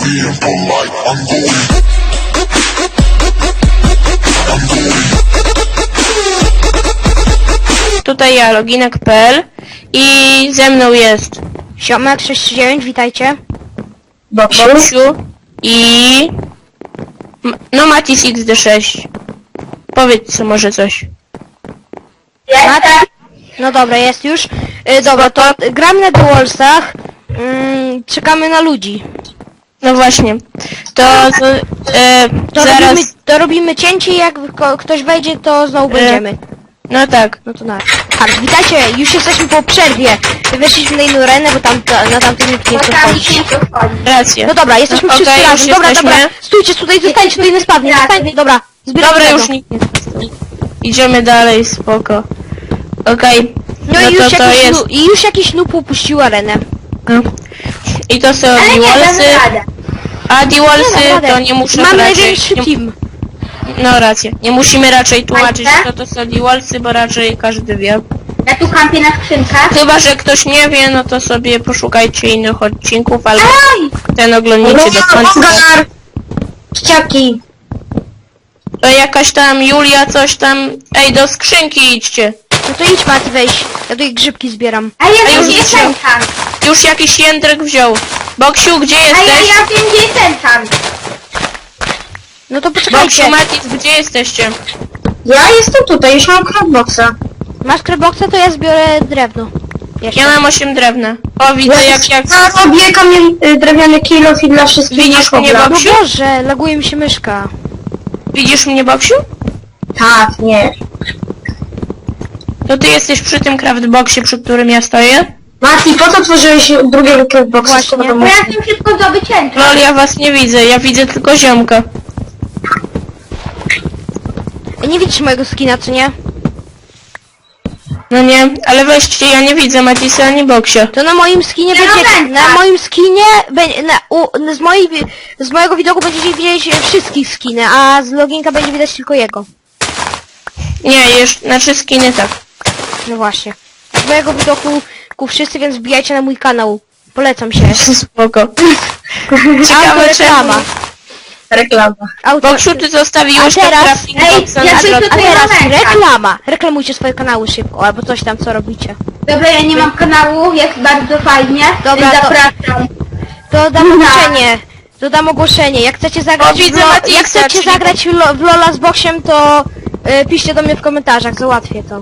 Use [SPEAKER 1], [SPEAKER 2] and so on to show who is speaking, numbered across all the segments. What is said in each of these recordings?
[SPEAKER 1] being polite. I'm going.
[SPEAKER 2] Tutaj ja, loginek.pl i ze mną jest
[SPEAKER 3] Siomek 639, witajcie.
[SPEAKER 2] Boksiu i... No Matis XD6. Powiedz co może coś.
[SPEAKER 3] No dobra, jest już. Dobra, to gramy na The Wallsach. Czekamy na ludzi.
[SPEAKER 2] No właśnie. To zaraz...
[SPEAKER 3] Robimy cięcie i jak ktoś wejdzie, to znowu będziemy.
[SPEAKER 2] No tak.
[SPEAKER 3] No to na. Tak, witajcie, już jesteśmy po przerwie. Weszliśmy na inną arenę, bo tam na tamtym nikt nie chce wchodzić.
[SPEAKER 2] Racja.
[SPEAKER 3] No dobra, jesteśmy
[SPEAKER 2] No,
[SPEAKER 3] wszyscy
[SPEAKER 2] okej,
[SPEAKER 3] razem.
[SPEAKER 2] już
[SPEAKER 3] Dobra,
[SPEAKER 2] jesteśmy.
[SPEAKER 3] dobra. Stójcie tutaj, zostańcie tutaj, nie spadnie. Dobra, zbieramy
[SPEAKER 2] Dobra,
[SPEAKER 3] tego.
[SPEAKER 2] już nikt nie chce. Idziemy dalej, spoko. Okej.
[SPEAKER 3] No i już,
[SPEAKER 2] to jest...
[SPEAKER 3] już jakiś noob upuścił arenę.
[SPEAKER 2] No. I to są Diwalsy. A Diwalsy to nie muszę
[SPEAKER 3] Mam
[SPEAKER 2] raczej...
[SPEAKER 3] największy team.
[SPEAKER 2] No rację. Nie musimy raczej tłumaczyć, kto to są Diwalsy, bo raczej każdy wie.
[SPEAKER 4] Ja tu kampię na skrzynkach.
[SPEAKER 2] Chyba że ktoś nie wie, no to sobie poszukajcie innych odcinków, albo ten oglądnijcie do końca.
[SPEAKER 4] Ściaki.
[SPEAKER 2] To jakaś tam Julia coś tam... Ej, do skrzynki idźcie.
[SPEAKER 3] No to idź Mati, weź. Ja tutaj grzybki zbieram.
[SPEAKER 4] A ja wiem,
[SPEAKER 2] już
[SPEAKER 4] gdzie jest
[SPEAKER 2] wziął.
[SPEAKER 4] enchant.
[SPEAKER 2] Już jakiś jędrek wziął. Boksiu, gdzie
[SPEAKER 4] A
[SPEAKER 2] jesteś?
[SPEAKER 4] ja wiem, gdzie jest enchant.
[SPEAKER 3] No to
[SPEAKER 2] Boksiu,
[SPEAKER 3] poczekajcie.
[SPEAKER 2] Matis, gdzie jesteście?
[SPEAKER 4] Ja jestem tutaj, już mam craftboxa.
[SPEAKER 3] Masz crabboxa, to ja zbiorę drewno. Jeszcze.
[SPEAKER 2] Ja mam 8 drewna. O, widzę jak...
[SPEAKER 4] Ja robię drewniany kilof i dla wszystkich
[SPEAKER 2] Widzisz
[SPEAKER 4] na
[SPEAKER 2] mnie,
[SPEAKER 4] kobla.
[SPEAKER 3] No
[SPEAKER 2] Boksiu?
[SPEAKER 3] Boże, laguje mi się myszka.
[SPEAKER 2] Widzisz mnie, Boksiu?
[SPEAKER 4] Tak, nie.
[SPEAKER 2] To ty jesteś przy tym craftboxie, przy którym ja stoję?
[SPEAKER 4] Mati, po co tworzyłeś drugiego craftboxa?
[SPEAKER 3] Właśnie.
[SPEAKER 4] Bo ja chcę szybko zdobyć enchant.
[SPEAKER 2] Lol, ja was nie widzę, ja widzę tylko ziomka.
[SPEAKER 3] Nie widzisz mojego skina, co nie?
[SPEAKER 2] No nie, ale weźcie, ja nie widzę Matisa ani Boksia.
[SPEAKER 3] To na moim skinie
[SPEAKER 4] Ja
[SPEAKER 3] będzie...
[SPEAKER 4] mam
[SPEAKER 3] Na moim skinie... Z mojego widoku będziecie widzieć wszystkich skiny, a z loginka będzie widać tylko jego.
[SPEAKER 2] Nie, jeszcze, znaczy skiny tak.
[SPEAKER 3] No właśnie. Z mojego widoku wszyscy, więc wbijajcie na mój kanał. Polecam się.
[SPEAKER 2] Spoko. Ciekawe
[SPEAKER 3] Autoreklama.
[SPEAKER 2] czemu.
[SPEAKER 4] Reklama.
[SPEAKER 2] Boksiu, ty zostawiłeś
[SPEAKER 3] A teraz-
[SPEAKER 2] ten crafting
[SPEAKER 4] Ej,
[SPEAKER 2] boxa
[SPEAKER 4] ja
[SPEAKER 2] na
[SPEAKER 4] coś
[SPEAKER 2] środku.
[SPEAKER 3] A
[SPEAKER 4] tutaj
[SPEAKER 3] teraz
[SPEAKER 4] mam enchant.
[SPEAKER 3] reklama. Reklamujcie swoje kanały szybko, albo coś tam, co robicie.
[SPEAKER 4] Dobra, ja nie mam kanału, jest bardzo fajnie.
[SPEAKER 3] Dobra,
[SPEAKER 4] więc
[SPEAKER 3] to-
[SPEAKER 4] zapraszam.
[SPEAKER 3] To dam ogłoszenie. Dodam ogłoszenie. Jak chcecie zagrać,
[SPEAKER 2] O, widzę Matisa,
[SPEAKER 3] jak chcecie
[SPEAKER 2] czyli-
[SPEAKER 3] zagrać w Lola z Boksiem, to piszcie do mnie w komentarzach, załatwię to.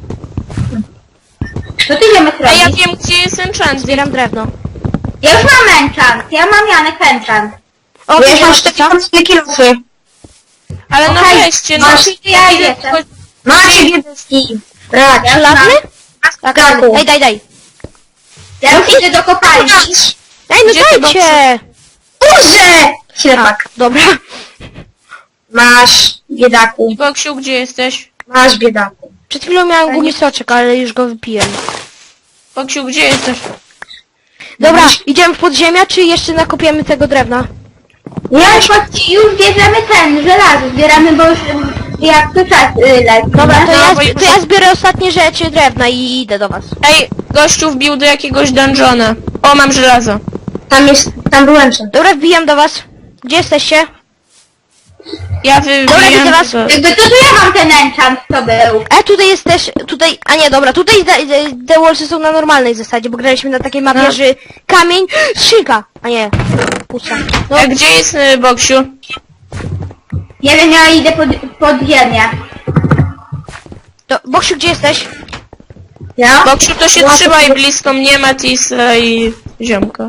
[SPEAKER 4] Co ty ziomek
[SPEAKER 2] A ja
[SPEAKER 4] robisz?
[SPEAKER 2] wiem, gdzie jest enchant.
[SPEAKER 3] Zbieram drewno.
[SPEAKER 4] Ja już mam enchant. Ja mam Janek enchant.
[SPEAKER 3] O,
[SPEAKER 4] Ja już mam
[SPEAKER 3] masz
[SPEAKER 4] 4
[SPEAKER 3] co?
[SPEAKER 4] kilofy.
[SPEAKER 2] Ale no
[SPEAKER 4] Okej,
[SPEAKER 2] weźcie, no.
[SPEAKER 4] masz, ja
[SPEAKER 2] widzę
[SPEAKER 4] jestem.
[SPEAKER 2] tylko-
[SPEAKER 4] Macie biedeski. Tak. Ja już
[SPEAKER 3] Szlafny?
[SPEAKER 4] mam.
[SPEAKER 3] Tak,
[SPEAKER 4] Taku.
[SPEAKER 3] daj.
[SPEAKER 4] Ja już idę do kopalni.
[SPEAKER 3] Ej, no
[SPEAKER 2] Gdzie ty,
[SPEAKER 3] dajcie!
[SPEAKER 4] Boże! Ślepak.
[SPEAKER 3] Dobra.
[SPEAKER 4] Masz, biedaku.
[SPEAKER 2] Boksiu, gdzie jesteś?
[SPEAKER 4] Masz, biedaku.
[SPEAKER 3] Przed chwilą miałem gumisoczek, ale już go wypiłem.
[SPEAKER 2] Boksiu, gdzie jesteś?
[SPEAKER 3] Dobra, idziemy w podziemia, czy jeszcze nakopiemy tego drewna?
[SPEAKER 4] Ja już bierzemy żelazo. Zbieramy, bo już jak to czas leci.
[SPEAKER 3] Dobra,
[SPEAKER 2] No, bo
[SPEAKER 3] to ja zbiorę ostatnie rzeczy drewna i idę do was.
[SPEAKER 2] Ej, gościu wbił do jakiegoś dungeona. O, mam żelazo.
[SPEAKER 4] Tam byłem przed.
[SPEAKER 3] Dobra, wbijam do was. Gdzie jesteście?
[SPEAKER 2] Ja
[SPEAKER 3] Dobra, widzę
[SPEAKER 2] wybijam
[SPEAKER 3] was.
[SPEAKER 2] tego.
[SPEAKER 4] Jakby to ja mam ten enchant, to był.
[SPEAKER 3] Tutaj jest też, a nie, dobra, tutaj The Wallsy są na normalnej zasadzie, bo graliśmy na takiej mapie,
[SPEAKER 2] No.
[SPEAKER 3] że kamień, skrzynka, a nie, pusta. No,
[SPEAKER 2] A gdzie jest Boksiu?
[SPEAKER 4] Nie wiem, ja idę pod ziemię.
[SPEAKER 3] to, Boksiu, gdzie jesteś?
[SPEAKER 4] Ja?
[SPEAKER 2] Boksiu, to się trzymaj blisko mnie, Matisa i ziomka.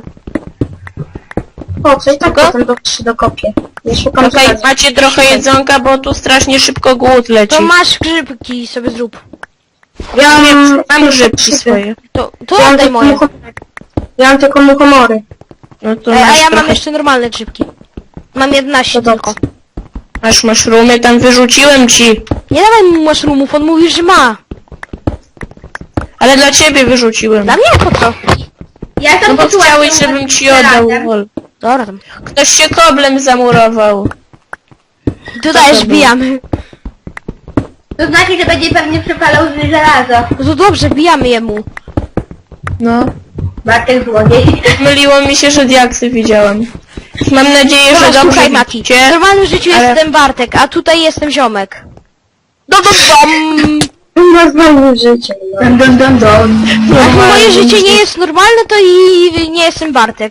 [SPEAKER 4] Po co? I tak
[SPEAKER 2] Kogo?
[SPEAKER 4] potem się dokopię. Ja szukam
[SPEAKER 2] Okej,
[SPEAKER 4] żelaza.
[SPEAKER 2] macie trochę jedzonka, bo tu strasznie szybko głód leci.
[SPEAKER 3] To masz grzybki, sobie zrób.
[SPEAKER 4] Ja
[SPEAKER 2] Mam grzybki swoje.
[SPEAKER 3] To
[SPEAKER 4] Ja mam
[SPEAKER 3] oddaj
[SPEAKER 4] tylko
[SPEAKER 3] moje.
[SPEAKER 4] Ja mam tylko muchomory.
[SPEAKER 2] No to
[SPEAKER 3] A
[SPEAKER 2] masz
[SPEAKER 3] ja mam
[SPEAKER 2] trochę...
[SPEAKER 3] jeszcze normalne grzybki. Mam 11
[SPEAKER 4] To
[SPEAKER 3] tylko.
[SPEAKER 2] Masz maszrumy, tam wyrzuciłem ci.
[SPEAKER 3] Nie dawaj mu mushroomów, on mówi, że ma.
[SPEAKER 2] Ale dla ciebie wyrzuciłem.
[SPEAKER 3] Dla mnie po co?
[SPEAKER 4] Ja
[SPEAKER 2] No
[SPEAKER 4] tam
[SPEAKER 2] bo
[SPEAKER 4] poczułam
[SPEAKER 2] chciałeś,
[SPEAKER 4] tą
[SPEAKER 2] żebym ci oddał.
[SPEAKER 4] żelazem.
[SPEAKER 2] Wol.
[SPEAKER 3] Dobra tam.
[SPEAKER 2] Ktoś się koblem zamurował.
[SPEAKER 3] Tu dajesz,
[SPEAKER 2] było?
[SPEAKER 3] wbijamy.
[SPEAKER 4] To znaczy, że będzie pewnie przepalał żelazo.
[SPEAKER 3] No to dobrze, wbijamy jemu.
[SPEAKER 2] No.
[SPEAKER 4] Bartek złodziej.
[SPEAKER 2] Myliło mi się, że diaksy widziałem. Mam nadzieję, że
[SPEAKER 3] Dobra,
[SPEAKER 2] dobrze
[SPEAKER 3] słuchaj, Mati. W
[SPEAKER 2] widzicie.
[SPEAKER 3] normalnym życiu
[SPEAKER 2] ale-
[SPEAKER 3] jestem Bartek, a tutaj jestem ziomek.
[SPEAKER 4] Ma znowu życie.
[SPEAKER 3] Jak moje życie nie jest normalne, to i nie jestem Bartek.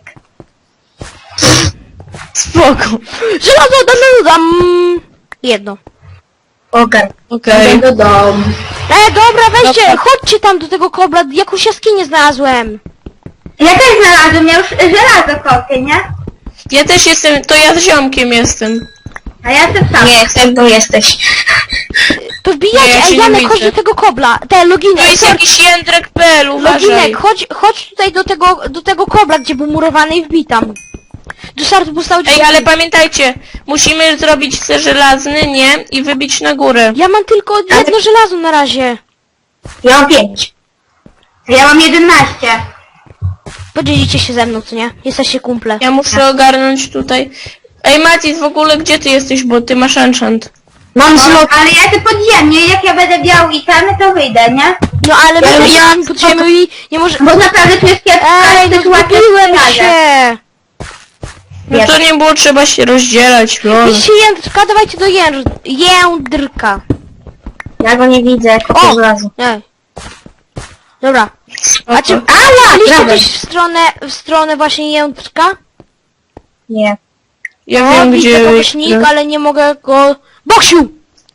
[SPEAKER 2] Spoko.
[SPEAKER 3] Żelazo, dam. Jedno.
[SPEAKER 4] Ogar.
[SPEAKER 2] Okej.
[SPEAKER 4] Do domu.
[SPEAKER 3] Dobra, weźcie,
[SPEAKER 2] Dobra.
[SPEAKER 3] chodźcie tam do tego kobla, jakąś jaskinię znalazłem.
[SPEAKER 4] Ja też znalazłem, ja już żelazo kopię, nie?
[SPEAKER 2] Ja też jestem, to ja z ziomkiem jestem.
[SPEAKER 4] A ja jestem sam.
[SPEAKER 1] Nie, tego jesteś.
[SPEAKER 3] To wbijajcie,
[SPEAKER 2] Nie, ja się
[SPEAKER 3] ej
[SPEAKER 2] nie
[SPEAKER 3] Janek, chodź
[SPEAKER 2] widzę.
[SPEAKER 3] do tego kobla. Te
[SPEAKER 2] To
[SPEAKER 3] loginek,
[SPEAKER 2] jest jakiś jędrek.pl, uważaj.
[SPEAKER 3] loginek, chodź tutaj do tego kobla, gdzie był murowany i wbij tam. Do startu postawić.
[SPEAKER 2] Ej, ale pamiętajcie, musimy zrobić ser żelazny, nie? I wybić na górę.
[SPEAKER 3] Ja mam tylko jedno żelazo na razie.
[SPEAKER 1] Ja mam 5.
[SPEAKER 4] Ja mam 11.
[SPEAKER 3] Podzielicie się ze mną, co nie? Jesteście kumple.
[SPEAKER 2] Ja muszę ogarnąć tutaj. Ej, Matis, w ogóle gdzie ty jesteś, bo ty masz enchant.
[SPEAKER 1] Mam zlot.
[SPEAKER 4] Ale ja to podziemnie, jak ja będę miał itemy, to wyjdę, nie?
[SPEAKER 3] No ale my
[SPEAKER 1] Ja-
[SPEAKER 3] jesteśmy pod ziemią i nie może...
[SPEAKER 4] Bo naprawdę tu jest kiepska
[SPEAKER 3] Ej, no
[SPEAKER 4] sytuacja
[SPEAKER 3] zgubiłem
[SPEAKER 4] w razie.
[SPEAKER 3] się!
[SPEAKER 2] No to nie było trzeba się rozdzielać, lol.
[SPEAKER 3] Idźcie jędrka, dawajcie do jędrka.
[SPEAKER 1] Ja go nie widzę, jak
[SPEAKER 3] O!
[SPEAKER 1] po żelazu.
[SPEAKER 3] Ej. Dobra. A czy...
[SPEAKER 1] Ała!
[SPEAKER 3] Byliście
[SPEAKER 1] Prawda.
[SPEAKER 3] też w stronę właśnie jędrka?
[SPEAKER 1] Nie.
[SPEAKER 2] Ja
[SPEAKER 3] O,
[SPEAKER 2] wiem
[SPEAKER 3] widzę
[SPEAKER 2] gdzie...
[SPEAKER 3] kogoś nick, ale nie mogę go... Boksiu!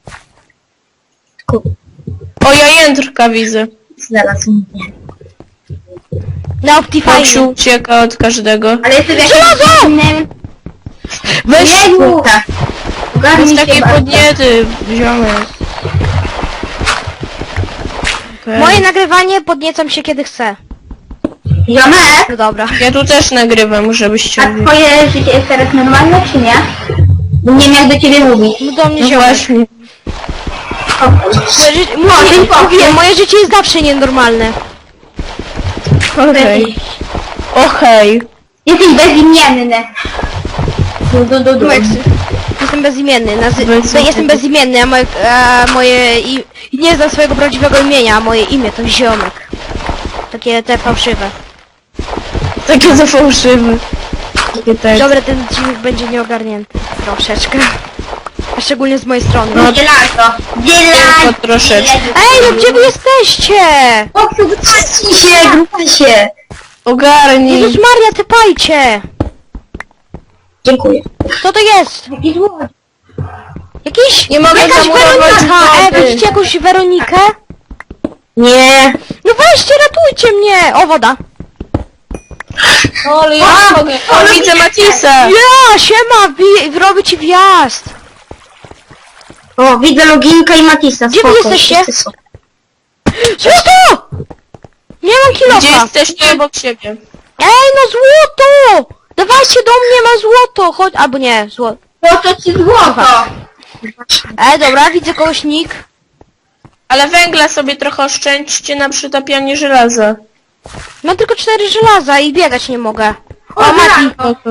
[SPEAKER 2] O, ja jędrka widzę.
[SPEAKER 1] Znalazł mnie.
[SPEAKER 3] Na Optifine.
[SPEAKER 2] Foksiu ucieka od każdego.
[SPEAKER 4] Ale jestem w jakimś
[SPEAKER 3] Żelazo!
[SPEAKER 4] innym...
[SPEAKER 2] Weź
[SPEAKER 4] Jezu!
[SPEAKER 1] Tak.
[SPEAKER 4] Ogarnij
[SPEAKER 2] jest
[SPEAKER 4] się
[SPEAKER 2] takie
[SPEAKER 4] bardzo.
[SPEAKER 2] podniety, ziomek. Okej.
[SPEAKER 3] Moje nagrywanie podniecam się kiedy chcę.
[SPEAKER 4] Ziomek,
[SPEAKER 3] No dobra.
[SPEAKER 2] Ja tu też nagrywam, żebyście...
[SPEAKER 4] a twoje życie jest teraz normalne, czy nie? Bo nie wiem jak do ciebie mówić.
[SPEAKER 3] No do mnie
[SPEAKER 2] No
[SPEAKER 3] ziomek.
[SPEAKER 2] właśnie.
[SPEAKER 3] Moje życie jest zawsze nienormalne.
[SPEAKER 2] Okej. Okej.
[SPEAKER 4] Jesteś bezimienny.
[SPEAKER 3] Jestem bezimienny.
[SPEAKER 2] Bezimienny.
[SPEAKER 3] Jestem bezimienny, a moje... Nie znam swojego prawdziwego imienia, a moje imię to ziomek. Takie te fałszywe.
[SPEAKER 2] Takie za fałszywe. Takie tak.
[SPEAKER 3] Dobra, ten odcinek będzie nieogarnięty. Troszeczkę. A szczególnie z mojej strony.
[SPEAKER 2] No,
[SPEAKER 4] Żelazo.
[SPEAKER 2] Tylko troszeczkę.
[SPEAKER 3] Ej, no gdzie wy jesteście?
[SPEAKER 1] Zamknij się, grupa się.
[SPEAKER 2] Ogarnij.
[SPEAKER 3] Jezus Maria, typajcie!
[SPEAKER 1] Dziękuję.
[SPEAKER 3] Kto to jest?
[SPEAKER 4] Jaki złodziej.
[SPEAKER 3] Jakiś...
[SPEAKER 2] Nie mogę
[SPEAKER 3] Jakaś
[SPEAKER 2] zamurować
[SPEAKER 3] Weronika!
[SPEAKER 2] wody.
[SPEAKER 3] Widzicie jakąś Weronikę?
[SPEAKER 1] Nie.
[SPEAKER 3] No weźcie, ratujcie mnie! O, woda.
[SPEAKER 2] O, ale ja mogę. O, widzę Matisa.
[SPEAKER 3] Ja, siema, robię ci wjazd.
[SPEAKER 1] O, widzę Loginka i Matisa.
[SPEAKER 3] Gdzie wy
[SPEAKER 1] Spoko,
[SPEAKER 3] jesteście?
[SPEAKER 1] wszyscy są.
[SPEAKER 3] Złoto! Nie mam
[SPEAKER 2] Gdzie
[SPEAKER 3] kilofa.
[SPEAKER 2] jesteście obok siebie?
[SPEAKER 3] Ej, no złoto! Dawajcie do mnie, ma złoto! Chodź, albo nie, złoto.
[SPEAKER 4] Po co ci złoto?
[SPEAKER 3] Ej, dobra, widzę kogoś nick.
[SPEAKER 2] Ale węgla sobie trochę oszczędźcie na przytapianie żelaza.
[SPEAKER 3] Mam tylko 4 żelaza i biegać nie mogę.
[SPEAKER 4] O,
[SPEAKER 3] O, Mati.
[SPEAKER 4] żelazo.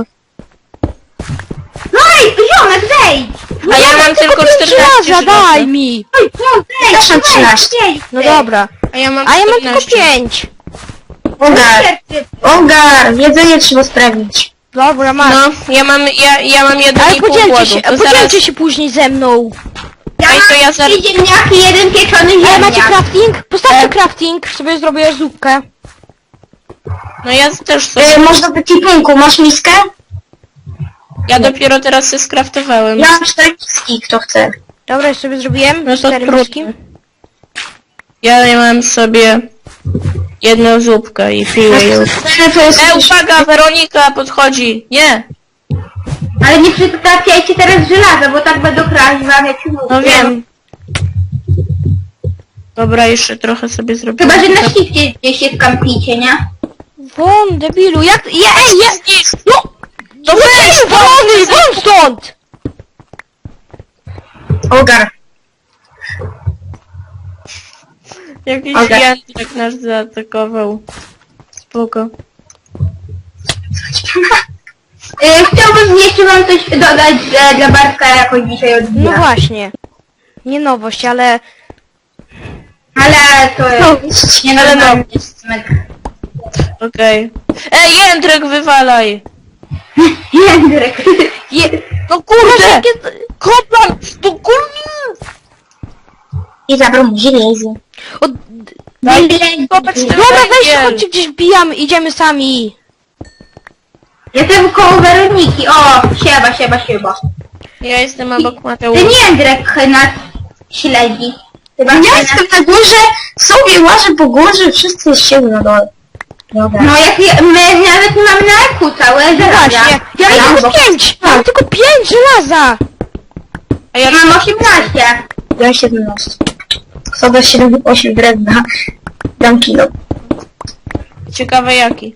[SPEAKER 4] No ej, ziomek, zejdź!
[SPEAKER 2] A ja mam tylko 14
[SPEAKER 3] żelaza,
[SPEAKER 2] żelaza.
[SPEAKER 3] daj mi!
[SPEAKER 4] Oj, no zejdź,
[SPEAKER 1] Też mam 13.
[SPEAKER 3] No dobra.
[SPEAKER 2] A ja mam
[SPEAKER 3] A ja mam tylko
[SPEAKER 2] 14.
[SPEAKER 3] 5.
[SPEAKER 1] Ogar. Ogar. Jedzenie trzeba sprawić.
[SPEAKER 3] Dobra, masz.
[SPEAKER 2] No, ja mam 1,5
[SPEAKER 3] Ale
[SPEAKER 2] głodu. To zaraz...
[SPEAKER 3] podzielcie się później ze mną.
[SPEAKER 4] Ja
[SPEAKER 2] Ej, to ja
[SPEAKER 4] mam
[SPEAKER 2] zaraz...
[SPEAKER 4] 3 ziemniaki, 1 pieczony
[SPEAKER 3] Ale
[SPEAKER 4] ziemniak.
[SPEAKER 3] macie crafting? Postawcie crafting, sobie zrobię zupkę.
[SPEAKER 2] No ja też sobie...
[SPEAKER 1] Można w ekipunku. Masz miskę?
[SPEAKER 2] Ja dopiero teraz się skraftowałem.
[SPEAKER 1] Ja mam 4 miski, kto chce.
[SPEAKER 3] Dobra, już sobie zrobiłem.
[SPEAKER 2] No to
[SPEAKER 3] 4 miski.
[SPEAKER 2] trudno. Ja mam sobie jedną zupkę i piję ją.
[SPEAKER 1] To jest...
[SPEAKER 2] Uwaga, Weronika podchodzi. Nie.
[SPEAKER 4] Ale nie przytapiajcie teraz żelaza, bo tak będą kraść wam, jak ci mówię.
[SPEAKER 2] No wiem. Dobra, jeszcze trochę sobie zrobię.
[SPEAKER 4] Chyba, że na shifcie gdzieś się skampicie, nie?
[SPEAKER 3] Won, debilu, jak... Ej,
[SPEAKER 2] No! To weź!
[SPEAKER 3] Won, won stąd!
[SPEAKER 1] Ogar.
[SPEAKER 2] Jakiś
[SPEAKER 1] Okej.
[SPEAKER 2] jędrek nas zaatakował. Spoko.
[SPEAKER 4] Chciałbym jeszcze wam coś dodać, że dla Bartka jakoś dzisiaj
[SPEAKER 3] No
[SPEAKER 4] odbija.
[SPEAKER 3] właśnie. Nie nowość, ale...
[SPEAKER 4] Ale to jest... Nie
[SPEAKER 2] Ale no.
[SPEAKER 4] normalny.
[SPEAKER 2] Okej. Ej, jędrek wywalaj!
[SPEAKER 4] Jędrek.
[SPEAKER 3] No kurde! Jakie...
[SPEAKER 2] Koplan! To kurde!
[SPEAKER 1] I zabrał mu żelazo.
[SPEAKER 3] O,
[SPEAKER 2] Kopać ten
[SPEAKER 3] dobra, weź,
[SPEAKER 2] węgiel.
[SPEAKER 3] chodźcie gdzieś wbijamy, idziemy sami.
[SPEAKER 4] Jestem koło Weroniki. O, sieba.
[SPEAKER 2] Ja jestem obok
[SPEAKER 4] Ten
[SPEAKER 2] Mateusza.
[SPEAKER 4] Jędrek nas śledzi. Chyba
[SPEAKER 1] Ja
[SPEAKER 4] nas...
[SPEAKER 1] jestem na górze, sobie łażę po górze, wszyscy siedzą na dole. Dobra.
[SPEAKER 4] No jak my nawet nie mamy na eku całe żelaza.
[SPEAKER 3] Właśnie, ja
[SPEAKER 1] Ja
[SPEAKER 3] mam
[SPEAKER 1] chyba-
[SPEAKER 3] 5! Mam tylko 5 żelaza!
[SPEAKER 2] A ja
[SPEAKER 4] Ja mam 18.
[SPEAKER 1] Ja 17. Kto da 7, 8 drewna, dam kilo.
[SPEAKER 2] ciekawe jaki.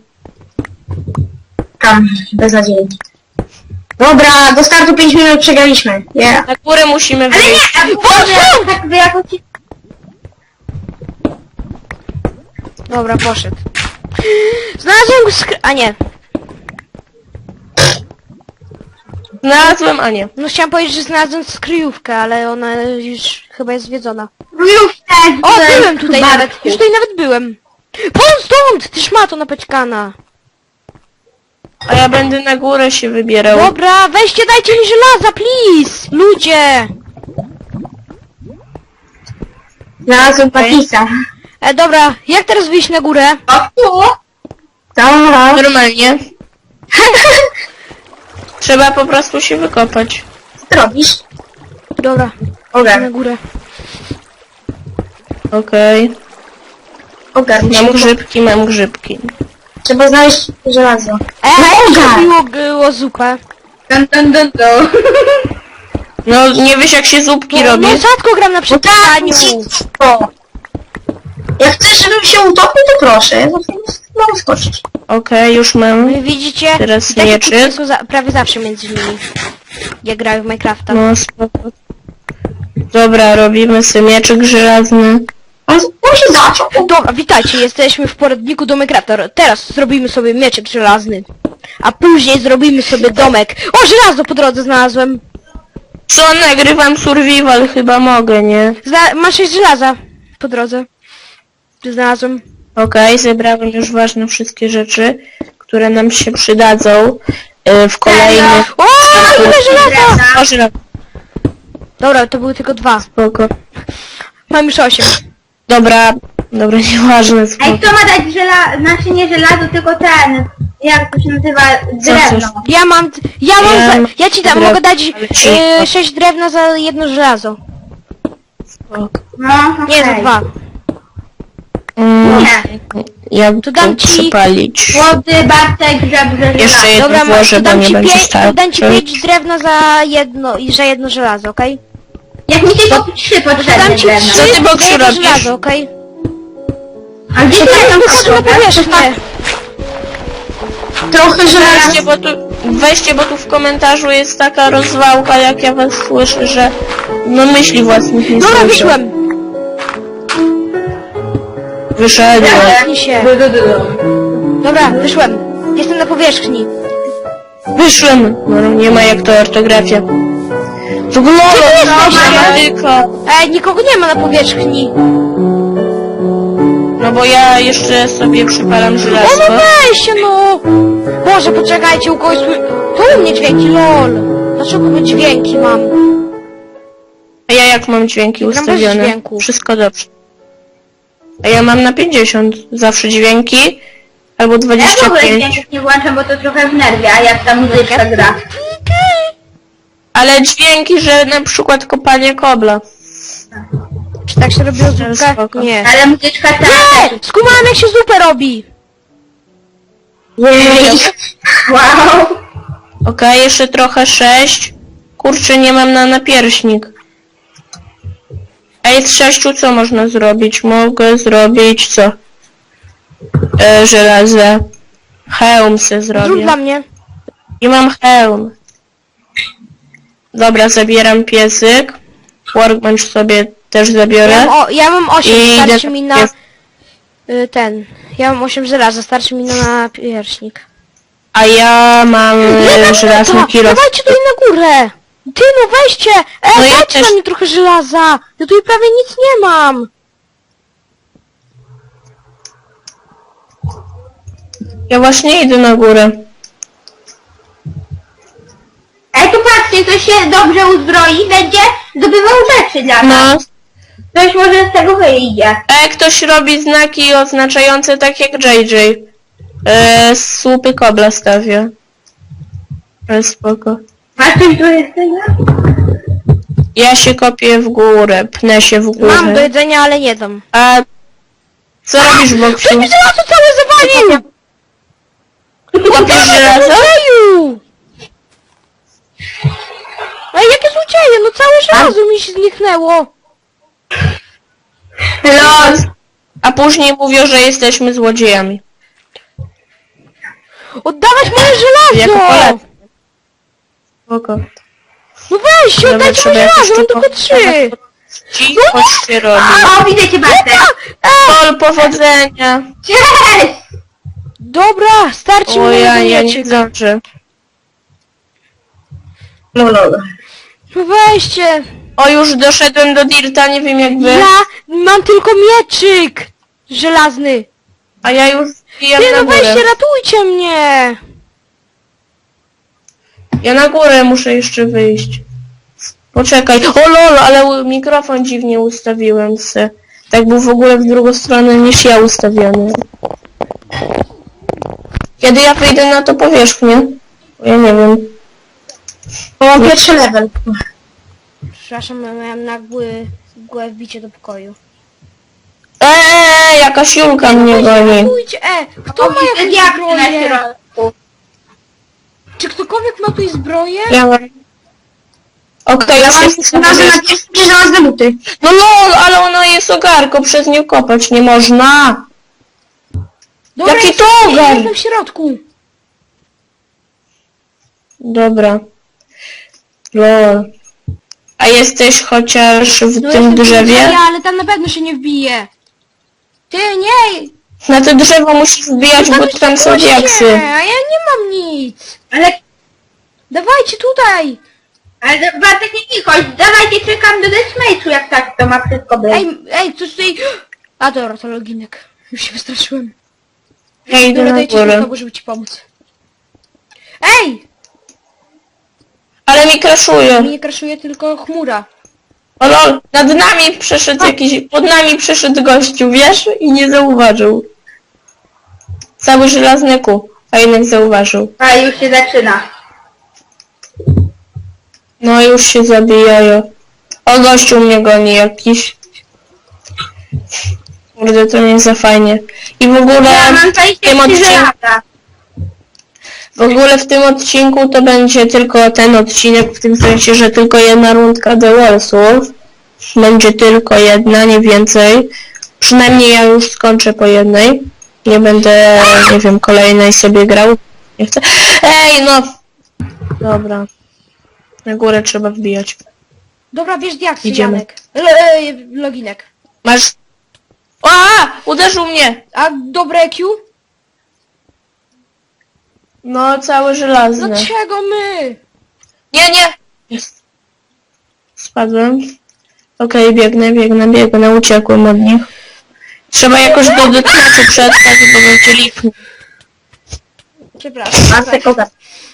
[SPEAKER 1] Tam, beznadziejnie. Dobra, do startu 5 minut przegraliśmy. Yeah.
[SPEAKER 2] Na górę musimy
[SPEAKER 4] Ale
[SPEAKER 2] wyjść.
[SPEAKER 4] nie, Boże! Tak by jakoś...
[SPEAKER 3] Dobra, poszedł. Znalazłem a nie.
[SPEAKER 2] Znalazłem, a nie.
[SPEAKER 3] No chciałam powiedzieć, że znalazłem skryjówkę, ale ona już chyba jest zwiedzona.
[SPEAKER 4] Już też
[SPEAKER 3] O, byłem tutaj
[SPEAKER 4] Bartku.
[SPEAKER 3] nawet! Już tutaj nawet byłem! Won stąd! Ty szmato napaćkana!
[SPEAKER 2] A ja będę na górę się wybierał.
[SPEAKER 3] Dobra, weźcie, dajcie mi żelaza, please! Ludzie!
[SPEAKER 1] Znalazłem Patisa.
[SPEAKER 3] Dobra, jak teraz wyjść na górę?
[SPEAKER 4] O, tu?
[SPEAKER 1] Dobra.
[SPEAKER 2] Normalnie. Trzeba po prostu się wykopać.
[SPEAKER 1] Co ty robisz?
[SPEAKER 3] Dobra, na
[SPEAKER 1] Ogar.
[SPEAKER 3] górę.
[SPEAKER 2] Okej.
[SPEAKER 1] Ogar.
[SPEAKER 2] Mam grzybki.
[SPEAKER 1] Trzeba znaleźć żelazo.
[SPEAKER 3] Jak
[SPEAKER 1] Ogar!
[SPEAKER 3] było zupę?
[SPEAKER 4] Dun.
[SPEAKER 2] No nie wiesz jak się zupki robi.
[SPEAKER 3] No rzadko gram na
[SPEAKER 1] No tak,
[SPEAKER 3] przetrwaniu.
[SPEAKER 1] dziecko. Jak chcesz, żebym się utopił, to proszę. Ja mogę skoczyć.
[SPEAKER 2] Okej, już mam.
[SPEAKER 3] Wy widzicie?
[SPEAKER 2] Teraz
[SPEAKER 3] Takie
[SPEAKER 2] mieczyk.
[SPEAKER 3] kłótnie są prawie zawsze między nimi. Jak grają w Minecrafta.
[SPEAKER 2] No spoko. Dobra, robimy sobie mieczyk żelazny.
[SPEAKER 1] On się zaczął.
[SPEAKER 3] Dobra, witajcie, jesteśmy w poradniku do Minecrafta. Teraz zrobimy sobie mieczek żelazny. A później zrobimy sobie domek. O, żelazo po drodze znalazłem.
[SPEAKER 2] Co, nagrywam survival, chyba mogę, nie?
[SPEAKER 3] Masz 6 żelaza po drodze. Znalazłem.
[SPEAKER 2] Okej, zebrałem już ważne wszystkie rzeczy, które nam się przydadzą w kolejnych...
[SPEAKER 3] O, ile żelaza!
[SPEAKER 2] O, żelazo,
[SPEAKER 3] Dobra, to były tylko 2.
[SPEAKER 2] spoko.
[SPEAKER 3] Mam już 8.
[SPEAKER 2] Dobra, nieważne,
[SPEAKER 4] Ej,
[SPEAKER 2] spoko.
[SPEAKER 4] kto ma dać znaczy nie żelazo, tylko ten, jak to się nazywa, drewno.
[SPEAKER 3] Ja ci dam,
[SPEAKER 2] Drewno,
[SPEAKER 3] mogę dać
[SPEAKER 2] ale ci-
[SPEAKER 3] 6 drewna za jedno żelazo.
[SPEAKER 2] spoko.
[SPEAKER 4] No,
[SPEAKER 3] Nie, za
[SPEAKER 4] okej.
[SPEAKER 3] 2.
[SPEAKER 4] Nie.
[SPEAKER 2] Jak
[SPEAKER 3] To
[SPEAKER 2] to
[SPEAKER 3] dam ci-
[SPEAKER 2] przypalić?
[SPEAKER 4] Młody, Bartek, żebrze,
[SPEAKER 2] Jeszcze
[SPEAKER 4] żelazo.
[SPEAKER 2] jedno
[SPEAKER 3] Dobra,
[SPEAKER 2] włożę,
[SPEAKER 3] to
[SPEAKER 2] bo
[SPEAKER 3] dam
[SPEAKER 2] nie
[SPEAKER 3] ci
[SPEAKER 2] będzie
[SPEAKER 3] 5,
[SPEAKER 2] starczy.
[SPEAKER 3] dam ci 5 drewna za jedno żelazo, okej?
[SPEAKER 4] Jak mi tylko 3 potrzebne
[SPEAKER 3] Dam ci
[SPEAKER 4] drewno.
[SPEAKER 3] 3
[SPEAKER 2] Co ty, Boksiu,
[SPEAKER 3] za jedno
[SPEAKER 2] robisz?
[SPEAKER 3] żelazo, okej?
[SPEAKER 4] A gdzie to
[SPEAKER 3] Ja
[SPEAKER 4] tam
[SPEAKER 3] wychodzę na powierzchnię.
[SPEAKER 1] Trochę żelaza.
[SPEAKER 2] Weźcie, bo tu w komentarzu jest taka rozwałka, jak ja was słyszę, że no myśli własnych nie
[SPEAKER 3] Dobra,
[SPEAKER 2] słyszę.
[SPEAKER 3] wyszłem.
[SPEAKER 2] Wyszedłem.
[SPEAKER 3] Zamknij się. Dobra, wyszłem. Jestem na powierzchni.
[SPEAKER 2] Wyszłem. No nie ma jak to ortografia. W ogóle gramatyka.
[SPEAKER 3] Nikogo nie ma na powierzchni.
[SPEAKER 2] No bo ja jeszcze sobie przypalam
[SPEAKER 3] O,
[SPEAKER 2] żelazko.
[SPEAKER 3] no weź się, no. Boże, poczekajcie, u kogoś to u mnie dźwięki, lol. Dlaczego my dźwięki mam?
[SPEAKER 2] A ja jak mam dźwięki
[SPEAKER 3] Gram bez
[SPEAKER 2] ustawione?
[SPEAKER 3] dźwięku.
[SPEAKER 2] Wszystko dobrze. A ja mam na 50. Zawsze dźwięki. Albo
[SPEAKER 4] Ja w ogóle
[SPEAKER 2] 25.
[SPEAKER 4] dźwięków nie włączam, bo to trochę wnerwia, jak ta muzyczka gra.
[SPEAKER 2] Ale dźwięki, że na przykład kopanie kobla.
[SPEAKER 3] Czy tak się robiło zupkę?
[SPEAKER 2] Spoko.
[SPEAKER 3] Nie.
[SPEAKER 4] Ale muzyczka ta
[SPEAKER 3] Nie! Skumałem jak się zupę robi!
[SPEAKER 1] Jej.
[SPEAKER 4] Wow.
[SPEAKER 2] Okej, jeszcze trochę 6. Kurczę, nie mam na napierśnik. Ej, z 6 co można zrobić? Mogę zrobić co? Żelazo. Hełm se
[SPEAKER 3] Zrób
[SPEAKER 2] zrobię.
[SPEAKER 3] dla mnie.
[SPEAKER 2] I mam hełm. Dobra, zabieram piesyk. Workbench sobie też zabiorę.
[SPEAKER 3] Ja mam 8,
[SPEAKER 2] I
[SPEAKER 3] starczy
[SPEAKER 2] idę
[SPEAKER 3] mi
[SPEAKER 2] na
[SPEAKER 3] na... Ja mam 8 żelaza, starczy mi na napierśnik.
[SPEAKER 2] A ja mam żelazny kilo.
[SPEAKER 3] Dawajcie tutaj na górę! Ty, no weźcie!
[SPEAKER 2] No ja
[SPEAKER 3] dajcie
[SPEAKER 2] też.
[SPEAKER 3] na mnie trochę żelaza! Ja tutaj prawie nic nie mam!
[SPEAKER 2] Ja właśnie idę na górę.
[SPEAKER 4] patrzcie, kto się dobrze uzbroi, będzie zdobywał rzeczy dla nas.
[SPEAKER 2] No.
[SPEAKER 4] Ktoś może z tego wyjdzie.
[SPEAKER 2] Ktoś robi znaki oznaczające tak jak JJ. Słupy kobla stawia. Ale spoko.
[SPEAKER 4] Masz coś do jedzenia?
[SPEAKER 2] Ja się kopię w górę, pnę się w górę.
[SPEAKER 3] Mam do jedzenia, ale nie dam.
[SPEAKER 2] A co robisz, Boksiu?
[SPEAKER 3] Ty mi żelazo całe zawalił!
[SPEAKER 2] Kopiesz żelazo?
[SPEAKER 3] Złodzieju! Ej, jakie złodzieje? No całe żelazo mi się zniknęło.
[SPEAKER 2] Los! A później mówią, że jesteśmy złodziejami.
[SPEAKER 3] Oddawać moje
[SPEAKER 2] Jako
[SPEAKER 3] żelazo!
[SPEAKER 2] Polacy. Spoko.
[SPEAKER 3] No weź,
[SPEAKER 2] Dobra,
[SPEAKER 3] oddajcie
[SPEAKER 2] trzeba
[SPEAKER 3] moje
[SPEAKER 2] jakoś
[SPEAKER 3] żelazo, mam
[SPEAKER 2] to
[SPEAKER 3] tylko 3.
[SPEAKER 2] Cicho się robi.
[SPEAKER 4] O, widzę cię, Bartek.
[SPEAKER 2] Pol powodzenia.
[SPEAKER 4] Cześć!
[SPEAKER 3] Dobra, starczy mi
[SPEAKER 2] O,
[SPEAKER 3] na
[SPEAKER 2] ja
[SPEAKER 3] jeden
[SPEAKER 2] nie
[SPEAKER 3] mieczyk.
[SPEAKER 2] zdążę.
[SPEAKER 1] No.
[SPEAKER 3] No weźcie.
[SPEAKER 2] O, już doszedłem do Dirta, nie wiem jak wy.
[SPEAKER 3] Ja mam tylko mieczyk żelazny.
[SPEAKER 2] A ja już zbijam
[SPEAKER 3] Ty,
[SPEAKER 2] na
[SPEAKER 3] no
[SPEAKER 2] górę.
[SPEAKER 3] weźcie, ratujcie mnie.
[SPEAKER 2] Ja na górę muszę jeszcze wyjść. Poczekaj. O lol, ale mikrofon dziwnie ustawiłem se. Tak był w ogóle w drugą stronę niż ja ustawiony. Kiedy ja wyjdę na to powierzchnię? Ja nie wiem.
[SPEAKER 1] O, pierwszy level.
[SPEAKER 3] Przepraszam, ja miałem nagłe wbicie do pokoju.
[SPEAKER 2] Jakaś Julka mnie
[SPEAKER 3] Weźcie,
[SPEAKER 2] goni.
[SPEAKER 3] ratujcie, kto ma
[SPEAKER 4] Widzę
[SPEAKER 3] jakąś
[SPEAKER 4] diabły na
[SPEAKER 3] zbroję?
[SPEAKER 4] środku.
[SPEAKER 3] Czy ktokolwiek ma tu zbroję?
[SPEAKER 2] Ja mam... Okej,
[SPEAKER 1] Ja
[SPEAKER 2] już
[SPEAKER 1] mam
[SPEAKER 2] jest
[SPEAKER 1] na pierwsze żelazne buty.
[SPEAKER 2] No lol, ale ona jest ogarką, przez nią kopać nie można.
[SPEAKER 3] Dobra,
[SPEAKER 2] Jaki
[SPEAKER 3] jestem-
[SPEAKER 2] to ogar?
[SPEAKER 3] Jestem w środku.
[SPEAKER 2] Dobra. Lol. A jesteś chociaż w
[SPEAKER 3] No
[SPEAKER 2] tym
[SPEAKER 3] jestem
[SPEAKER 2] drzewie?
[SPEAKER 3] ale tam na pewno się nie wbije. Ty, nie!
[SPEAKER 2] Na to drzewo musisz wbijać, bo tam są
[SPEAKER 3] Puśćcie,
[SPEAKER 2] diaksy.
[SPEAKER 3] a ja nie mam nic.
[SPEAKER 4] Ale,
[SPEAKER 3] Dawajcie tutaj.
[SPEAKER 4] ale Bartek nie cicho, dawajcie, czekam do deathmatchu, jak tak to ma wszystko być.
[SPEAKER 3] Ej, coś tutaj... A dobra, to loginek. Już się wystraszyłem.
[SPEAKER 2] Ja idę
[SPEAKER 3] Dobra,
[SPEAKER 2] na
[SPEAKER 3] dajcie
[SPEAKER 2] górę.
[SPEAKER 3] znowu, żeby ci pomóc. Ej!
[SPEAKER 2] Ale mi kraszuje.
[SPEAKER 3] Mi nie kraszuje, tylko chmura.
[SPEAKER 2] O lol, nad nami przeszedł jakiś... Pod nami przeszedł gościu, wiesz? I nie zauważył. Cały żelazny kół, a jednak zauważył.
[SPEAKER 4] A już się zaczyna.
[SPEAKER 2] No już się zabijają. O, gościu mnie goni jakiś. Kurde, to nie za fajnie. I w ogóle
[SPEAKER 4] Ja mam
[SPEAKER 2] w tym
[SPEAKER 4] 23
[SPEAKER 2] odcinku...
[SPEAKER 4] lata.
[SPEAKER 2] W ogóle w tym odcinku to będzie tylko ten odcinek, w tym sensie, że tylko jedna rundka The Wallsów. Będzie tylko jedna, nie więcej. Przynajmniej ja już skończę po jednej. Nie będę, nie wiem, kolejnej sobie grał. Nie chcę. Ej, no! Dobra. Na górę trzeba wbijać.
[SPEAKER 3] Dobra, bierz diaksy,
[SPEAKER 2] Idziemy.
[SPEAKER 3] Janek. Loginek.
[SPEAKER 2] Masz... A! Uderzył mnie!
[SPEAKER 3] A dobre EQ?
[SPEAKER 2] No, całe żelazne.
[SPEAKER 3] Dlaczego my?
[SPEAKER 2] Nie! Jest. Spadłem. Okej, biegnę, uciekłem od nich. Trzeba jakoś do deathmatchu przetrwać, bo będzie lipny.
[SPEAKER 3] Przepraszam.
[SPEAKER 1] Bartek ogar.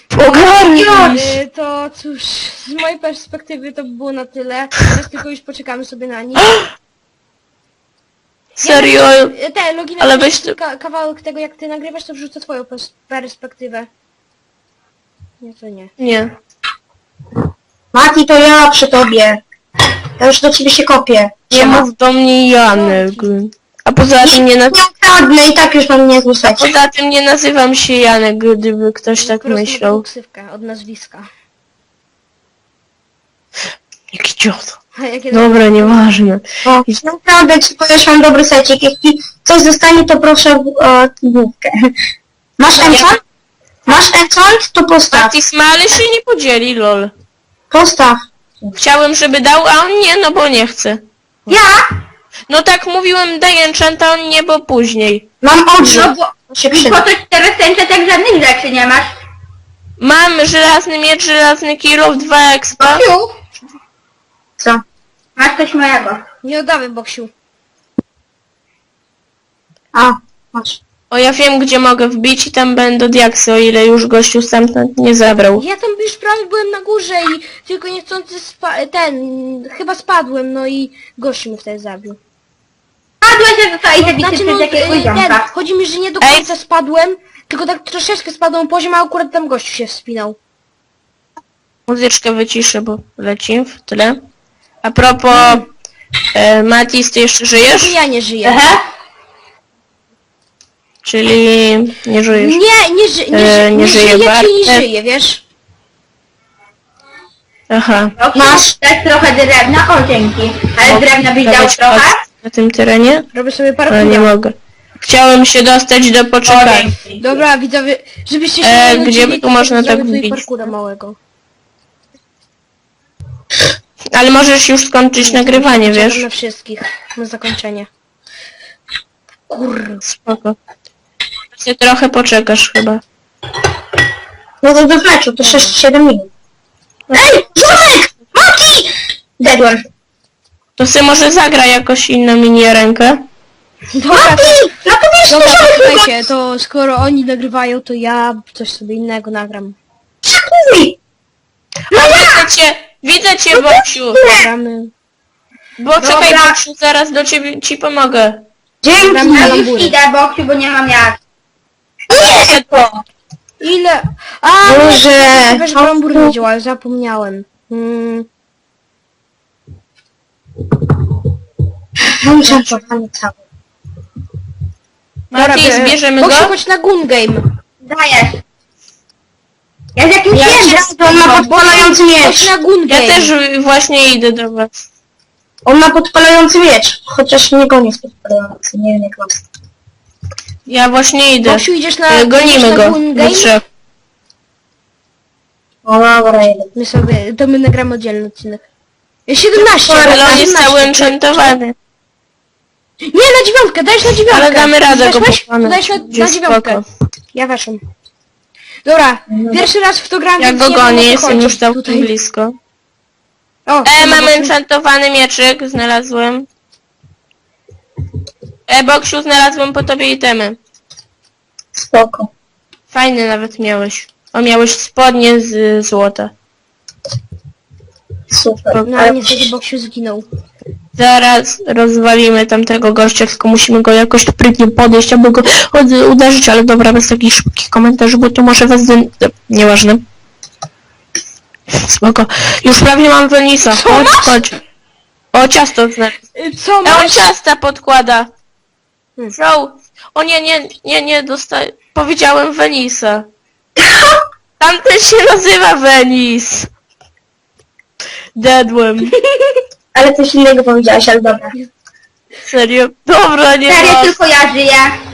[SPEAKER 3] To cóż, z mojej perspektywy to by było na tyle. Teraz tylko już poczekamy sobie na nich.
[SPEAKER 2] Serio?
[SPEAKER 3] Te loginek,
[SPEAKER 2] Ale weź tu-
[SPEAKER 3] kawałek tego jak ty nagrywasz, to wrzucę twoją perspektywę. Nie, to nie.
[SPEAKER 2] Nie.
[SPEAKER 1] Mati, to ja przy tobie. Ja już do ciebie się kopię.
[SPEAKER 2] Nie mów do mnie Janek. A poza tym nie,
[SPEAKER 1] Nie ukradnę i tak już mam niezły secie.
[SPEAKER 2] poza tym nie nazywam się Janek, gdyby ktoś tak
[SPEAKER 3] Po prostu
[SPEAKER 2] myślał.
[SPEAKER 3] taką ksywkę od nazwiska.
[SPEAKER 2] Jaki ciot.
[SPEAKER 3] A jakie
[SPEAKER 2] Dobra, nieważne.
[SPEAKER 1] O, nie ukradnę ci, bo już mam dobry secik. Jeśli coś zostanie, to proszę główkę. Masz enchant? Masz enchant? To postaw.
[SPEAKER 2] Matis, ale się nie podzieli, lol.
[SPEAKER 1] Postaw.
[SPEAKER 2] Chciałem, żeby dał, a on nie, no bo nie chce.
[SPEAKER 4] Ja?
[SPEAKER 2] No tak mówiłem, daj enchanta, on nie, bo później.
[SPEAKER 1] Mam
[SPEAKER 4] No
[SPEAKER 1] odrzut.
[SPEAKER 4] bo...
[SPEAKER 1] To się
[SPEAKER 4] Po
[SPEAKER 1] przyda.
[SPEAKER 4] to teraz tęczę tak żadnych rzeczy nie masz.
[SPEAKER 2] Mam żelazny miecz, żelazny kilof, 2 expa.
[SPEAKER 4] Boksiu,
[SPEAKER 1] Co?
[SPEAKER 4] masz coś mojego.
[SPEAKER 3] Nie oddamy, Boksiu.
[SPEAKER 1] A, masz.
[SPEAKER 2] O, ja wiem, gdzie mogę wbić i tam będą diaksy, o ile już gościu stamtąd nie zabrał.
[SPEAKER 3] Ja tam już prawie byłem na górze i tylko niechcący chyba spadłem, no i gościu mnie wtedy zabił.
[SPEAKER 4] Padłeś, że zostałeś zabity
[SPEAKER 3] Znaczy, no,
[SPEAKER 4] przez jakiegoś ziomka.
[SPEAKER 3] chodzi mi, że nie do końca spadłem, tylko tak troszeczkę spadłem poziom, a akurat tam gościu się wspinał.
[SPEAKER 2] Muzyczkę wyciszę, bo leci w tyle. A propos, Matis, ty jeszcze żyjesz?
[SPEAKER 3] Ja nie żyję.
[SPEAKER 4] Aha.
[SPEAKER 2] Czyli nie żyjesz.
[SPEAKER 3] Nie
[SPEAKER 2] żyje
[SPEAKER 3] żyję,
[SPEAKER 2] Bartek.
[SPEAKER 3] czyli nie żyję, wiesz?
[SPEAKER 2] Aha.
[SPEAKER 4] Masz dać trochę drewna? O, dzięki. Ale drewna byś dał
[SPEAKER 2] Dawać
[SPEAKER 4] trochę?
[SPEAKER 2] na tym terenie?
[SPEAKER 3] Robię sobie
[SPEAKER 2] Ale nie
[SPEAKER 3] parkour.
[SPEAKER 2] mogę. Chciałem się dostać do poczekalni.
[SPEAKER 3] Dobra, widzowie, żebyście się nie
[SPEAKER 2] gdzie
[SPEAKER 3] nudzili,
[SPEAKER 2] tu
[SPEAKER 3] to
[SPEAKER 2] można
[SPEAKER 3] zrobię
[SPEAKER 2] tak
[SPEAKER 3] tutaj
[SPEAKER 2] wbić?
[SPEAKER 3] parkoura małego.
[SPEAKER 2] Ale możesz już skończyć nagrywanie,
[SPEAKER 3] Czekam
[SPEAKER 2] wiesz?
[SPEAKER 3] na wszystkich, na zakończenie. Kurwa.
[SPEAKER 2] Spoko. Ty trochę poczekasz chyba.
[SPEAKER 1] No to do meczu, to 6-7 minut. Ej, Ziomek! Mati! Dedłem.
[SPEAKER 2] To ty może zagra jakoś inną miniarenkę?
[SPEAKER 3] Dobra,
[SPEAKER 1] Mati! No to wiesz,
[SPEAKER 3] dobra,
[SPEAKER 1] Ziomek
[SPEAKER 3] słuchajcie, to skoro oni nagrywają, to ja coś sobie innego nagram.
[SPEAKER 1] Przekuj!
[SPEAKER 2] No widzę cię, Boksiu!
[SPEAKER 3] Gramy.
[SPEAKER 2] Bo czekaj,
[SPEAKER 4] Dobra.
[SPEAKER 2] Boksiu, zaraz do ciebie ci pomogę.
[SPEAKER 1] Dzięki!
[SPEAKER 3] Gram na
[SPEAKER 4] Ja już
[SPEAKER 3] lambury.
[SPEAKER 4] idę, Boksiu, bo nie mam jak.
[SPEAKER 1] Nie!
[SPEAKER 3] Ile? A,
[SPEAKER 1] Boże!
[SPEAKER 3] wiesz, brambur nie działa, zapomniałem.
[SPEAKER 1] Mam czerwony cały.
[SPEAKER 2] Matis, bierzemy go?
[SPEAKER 3] Boksiu, chodź na Gun Game.
[SPEAKER 4] Dajesz. Ja z jakimś
[SPEAKER 2] Ja
[SPEAKER 4] wiem,
[SPEAKER 2] się
[SPEAKER 1] To on ma podpalający
[SPEAKER 3] Chodź
[SPEAKER 1] miecz.
[SPEAKER 3] na Gun
[SPEAKER 2] Ja
[SPEAKER 3] Game.
[SPEAKER 2] też właśnie idę do was.
[SPEAKER 1] On ma podpalający miecz. Chociaż nie gonię z podpalający, nie wiem jak mam.
[SPEAKER 2] Ja właśnie idę.
[SPEAKER 3] Boksiu, idziesz na
[SPEAKER 2] Gonimy go.
[SPEAKER 3] Gun
[SPEAKER 2] Do
[SPEAKER 3] Game?
[SPEAKER 2] trzech.
[SPEAKER 1] O dobra, jeden.
[SPEAKER 3] My nagramy oddzielny odcinek. 17,
[SPEAKER 2] Ale on jest
[SPEAKER 3] 17.
[SPEAKER 2] cały enchantowany.
[SPEAKER 3] Nie, na 9, dajesz na 9.
[SPEAKER 2] Ale damy radę go
[SPEAKER 3] Weszłeś?
[SPEAKER 2] pokonać.
[SPEAKER 3] Dajesz na
[SPEAKER 2] Będzie
[SPEAKER 3] 9.
[SPEAKER 2] spoko.
[SPEAKER 3] Ja weszłam. Dobra, pierwszy raz w to gram,
[SPEAKER 2] Ja
[SPEAKER 3] więc
[SPEAKER 2] go
[SPEAKER 3] nie wiem, o
[SPEAKER 2] gonię,
[SPEAKER 3] co
[SPEAKER 2] jestem
[SPEAKER 3] chodzi.
[SPEAKER 2] już całkiem
[SPEAKER 3] Tutaj.
[SPEAKER 2] blisko.
[SPEAKER 3] O,
[SPEAKER 2] Mam
[SPEAKER 3] Boksiu.
[SPEAKER 2] enchantowany mieczyk, znalazłem. Boksiu, znalazłem po tobie itemy.
[SPEAKER 1] Spoko.
[SPEAKER 2] Fajny nawet miałeś. O, miałeś spodnie z złota.
[SPEAKER 1] Super.
[SPEAKER 3] No ale niestety Boksiu zginął.
[SPEAKER 2] Zaraz rozwalimy tamtego gościa, tylko musimy go jakoś sprytnie podejść, aby go uderzyć, ale dobra, bez takich szybkich komentarzy, bo to może was... Nieważne. Spoko. Już prawie mam Venisa. Chodź, chodź. O, ciasto znalazł.
[SPEAKER 3] Co
[SPEAKER 2] On
[SPEAKER 3] masz?
[SPEAKER 2] ciasta podkłada.
[SPEAKER 3] Hmm.
[SPEAKER 2] Joe. O nie, dostaję. Powiedziałem Venisa. Tamten się nazywa Venis. Dedłem.
[SPEAKER 1] Ale coś innego powiedziałeś, ale dobra.
[SPEAKER 2] Serio? Dobra, nie
[SPEAKER 4] Serio,
[SPEAKER 2] ma.
[SPEAKER 4] tylko ja żyję.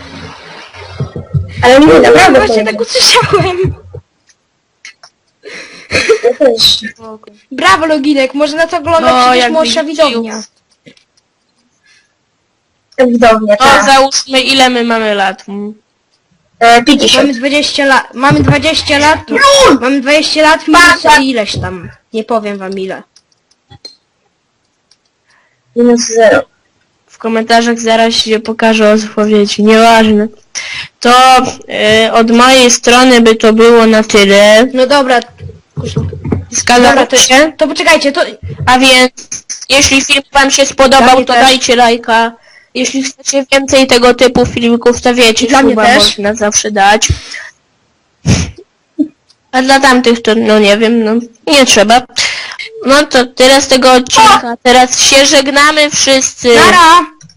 [SPEAKER 1] Ale nie, naprawdę
[SPEAKER 3] Właśnie
[SPEAKER 1] powiedział.
[SPEAKER 3] tak usłyszałem.
[SPEAKER 1] Ja też.
[SPEAKER 3] Brawo Loginek, może nas ogląda
[SPEAKER 2] No,
[SPEAKER 3] przecież
[SPEAKER 2] jak
[SPEAKER 3] młodsza
[SPEAKER 2] widzicie,
[SPEAKER 3] widownia.
[SPEAKER 1] Widownia,
[SPEAKER 2] To
[SPEAKER 1] tak.
[SPEAKER 2] załóżmy ile my mamy lat.
[SPEAKER 1] 50.
[SPEAKER 3] Mamy 20 lat. Mamy 20 lat. Mamy 20 lat minus ileś tam. Nie powiem wam ile.
[SPEAKER 1] Minus 0.
[SPEAKER 2] W komentarzach zaraz się pokażę odpowiedzi. Nieważne. To od mojej strony by to było na tyle.
[SPEAKER 3] No dobra.
[SPEAKER 2] Zgadza
[SPEAKER 3] Dobra,
[SPEAKER 2] się?
[SPEAKER 3] to poczekajcie, to...
[SPEAKER 2] A więc, jeśli film wam się spodobał,
[SPEAKER 3] Dla mnie
[SPEAKER 2] to
[SPEAKER 3] też.
[SPEAKER 2] dajcie lajka. Jeśli chcecie więcej tego typu filmików, to wiecie,
[SPEAKER 3] Dla mnie
[SPEAKER 2] suba
[SPEAKER 3] też.
[SPEAKER 2] można zawsze dać. A dla tamtych to, no nie wiem, no nie trzeba. No to tyle z tego odcinka. Teraz się żegnamy wszyscy.
[SPEAKER 3] Nara!